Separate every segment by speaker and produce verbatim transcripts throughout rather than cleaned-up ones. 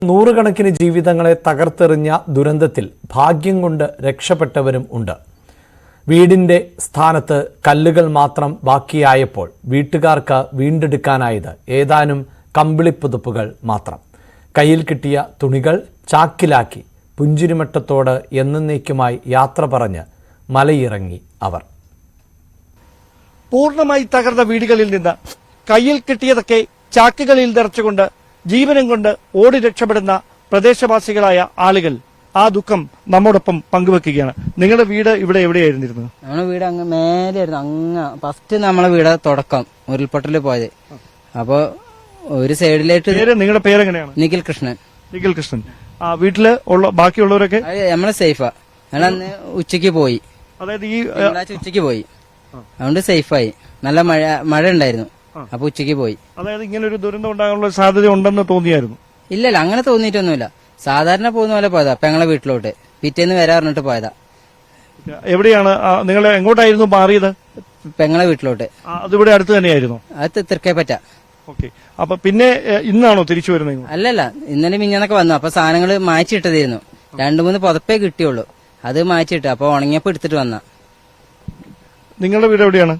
Speaker 1: നൂറുകണക്കിന് ജീവിതങ്ങളെ തകർത്തെറിഞ്ഞ ദുരന്തത്തിൽ ഭാഗ്യം കൊണ്ട് രക്ഷപ്പെട്ടവരും ഉണ്ട്. വീടിന്റെ സ്ഥാനത്ത് കല്ലുകൾ മാത്രം ബാക്കിയായപ്പോൾ വീട്ടുകാർക്ക് വീണ്ടെടുക്കാനായത് ഏതാനും കമ്പിളിപ്പുതുപ്പുകൾ മാത്രം. കയ്യിൽ കിട്ടിയ തുണികൾ ചാക്കിലാക്കി പുഞ്ചിരിമട്ടത്തോട് എന്നേക്കുമായി യാത്ര പറഞ്ഞ് മലയിറങ്ങി അവർ.
Speaker 2: പൂർണ്ണമായി തകർന്ന വീടുകളിൽ നിന്ന് കയ്യിൽ കിട്ടിയതൊക്കെ ചാക്കുകളിൽ നിറച്ചുകൊണ്ട് ജീവനം കൊണ്ട് ഓടി രക്ഷപ്പെടുന്ന പ്രദേശവാസികളായ ആളുകൾ ആ ദുഃഖം നമ്മോടൊപ്പം പങ്കുവെക്കുകയാണ്. നിങ്ങളുടെ വീട് ഇവിടെ എവിടെയായിരുന്നിരുന്നത്?
Speaker 3: നമ്മുടെ വീട് അങ്ങ് മേലെയായിരുന്നു. അങ്ങ് ഫസ്റ്റ് നമ്മളെ വീട് തുടക്കം ഉരുൾപൊട്ടൽ പോയത്. അപ്പൊ ഒരു സൈഡിലായിട്ട്
Speaker 2: നിങ്ങളുടെ പേരെങ്ങനെയാണ്?
Speaker 3: നിഖിൽ കൃഷ്ണൻ.
Speaker 2: നിഖിൽ കൃഷ്ണൻ. ആ വീട്ടില് ഉള്ള ബാക്കിയുള്ളവരൊക്കെ
Speaker 3: നമ്മളെ സേഫാ. ഞങ്ങൾ അന്ന് ഉച്ചക്ക് പോയി,
Speaker 2: അതായത് ഈ
Speaker 3: ഉച്ചക്ക് പോയി, അതുകൊണ്ട് സേഫായി. നല്ല മഴ മഴ ഉണ്ടായിരുന്നു. അപ്പൊ ഉച്ചക്ക് പോയി.
Speaker 2: അതായത് ഇങ്ങനെ ഒരു ദുരന്തം ഉണ്ടാകാനുള്ള സാധ്യത ഉണ്ടെന്ന് തോന്നിയായിരുന്നു?
Speaker 3: ഇല്ലല്ല, അങ്ങനെ തോന്നിയിട്ടൊന്നുമില്ല. സാധാരണ പോകുന്ന പോലെ പോയതാ. പെങ്ങളെ വീട്ടിലോട്ട് പിറ്റേന്ന് വരാ പറഞ്ഞിട്ട് പോയതാ.
Speaker 2: എവിടെയാണ് നിങ്ങൾ എങ്ങോട്ടായിരുന്നു മാറിയത്?
Speaker 3: പെങ്ങളെ വീട്ടിലോട്ട്.
Speaker 2: അതിവിടെ അടുത്ത് തന്നെയായിരുന്നു?
Speaker 3: അത് തൃക്കേപ്പറ്റ.
Speaker 2: ഓക്കെ. അപ്പൊ പിന്നെ ഇന്നാണോ തിരിച്ചു വരുന്നത്?
Speaker 3: അല്ലല്ല, ഇന്നലെ മിഞ്ഞാന്നൊക്കെ വന്നു. അപ്പൊ സാധനങ്ങൾ മാറ്റിയിട്ടതായിരുന്നു. രണ്ടു മൂന്ന് പുതപ്പേ കിട്ടിയുള്ളൂ. അത് മാറ്റിയിട്ട് അപ്പൊ ഉണങ്ങിയപ്പോ എടുത്തിട്ട് വന്ന.
Speaker 2: നിങ്ങളുടെ വീട് എവിടെയാണ്?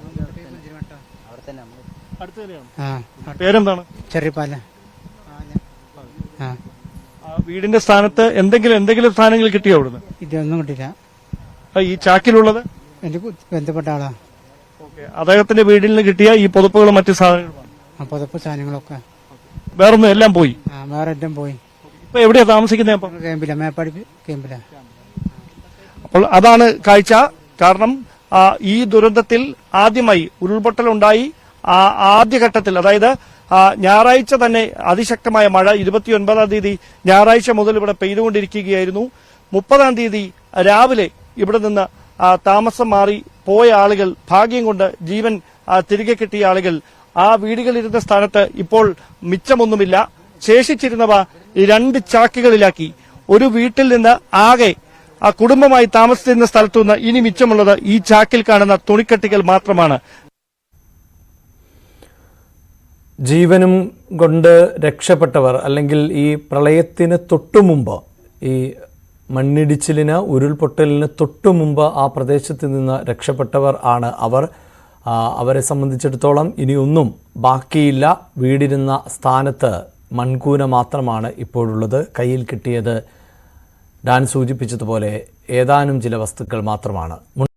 Speaker 2: പേരെന്താണ്?
Speaker 4: ചെറിയപാല.
Speaker 2: വീടിന്റെ സ്ഥാനത്ത് എന്തെങ്കിലും എന്തെങ്കിലും സ്ഥാനങ്ങൾ കിട്ടിയോ അവിടുന്ന്?
Speaker 4: ഇതൊന്നും കിട്ടില്ല.
Speaker 2: ഈ ചാക്കിലുള്ളത്
Speaker 4: എന്റെ ബന്ധപ്പെട്ട ആളാ.
Speaker 2: അദ്ദേഹത്തിന്റെ വീട്ടിൽ നിന്ന് കിട്ടിയ ഈ പുതപ്പുകളും മറ്റു സാധനങ്ങളും?
Speaker 4: പുതപ്പ് സാധനങ്ങളൊക്കെ
Speaker 2: വേറൊന്നും എല്ലാം പോയി.
Speaker 4: വേറെ എല്ലാം പോയി.
Speaker 2: ഇപ്പൊ എവിടെയാ താമസിക്കുന്നത്?
Speaker 4: ക്യാമ്പില, മേപ്പാടി ക്യാമ്പില.
Speaker 2: അപ്പോൾ അതാണ് കാഴ്ച. കാരണം ഈ ദുരന്തത്തിൽ ആദ്യമായി ഉരുൾപൊട്ടലുണ്ടായി. ആ ആദ്യഘട്ടത്തിൽ, അതായത് ഞായറാഴ്ച തന്നെ അതിശക്തമായ മഴ ഇരുപത്തിയൊൻപതാം തീയതി ഞായറാഴ്ച മുതൽ ഇവിടെ പെയ്തുകൊണ്ടിരിക്കുകയായിരുന്നു. മുപ്പതാം തീയതി രാവിലെ ഇവിടെ നിന്ന് താമസം മാറി പോയ ആളുകൾ, ഭാഗ്യം കൊണ്ട് ജീവൻ തിരികെ കിട്ടിയ ആളുകൾ ആ വീടുകളിരുന്ന സ്ഥാനത്ത് ഇപ്പോൾ മിച്ചമൊന്നുമില്ല. ശേഷിച്ചിരുന്നവ രണ്ട് ചാക്കുകളിലാക്കി ഒരു വീട്ടിൽ നിന്ന് ആകെ ആ കുടുംബമായി താമസിച്ചിരുന്ന സ്ഥലത്തുനിന്ന് ഇനി മിച്ചമുള്ളത് ഈ ചാക്കിൽ കാണുന്ന തുണിക്കട്ടികൾ മാത്രമാണ്.
Speaker 1: ജീവനും കൊണ്ട് രക്ഷപ്പെട്ടവർ, അല്ലെങ്കിൽ ഈ പ്രളയത്തിന് തൊട്ടുമുമ്പ്, ഈ മണ്ണിടിച്ചിലിന് ഉരുൾപൊട്ടലിന് തൊട്ടുമുമ്പ് ആ പ്രദേശത്ത് നിന്ന് രക്ഷപ്പെട്ടവർ ആണ് അവർ. അവരെ സംബന്ധിച്ചിടത്തോളം ഇനിയൊന്നും ബാക്കിയില്ല. വീടിരുന്ന സ്ഥാനത്ത് മൺകൂന മാത്രമാണ് ഇപ്പോഴുള്ളത്. കയ്യിൽ കിട്ടിയത് ഡാൻ സൂചിപ്പിച്ചതുപോലെ ഏതാനും ചില വസ്തുക്കൾ മാത്രമാണ്.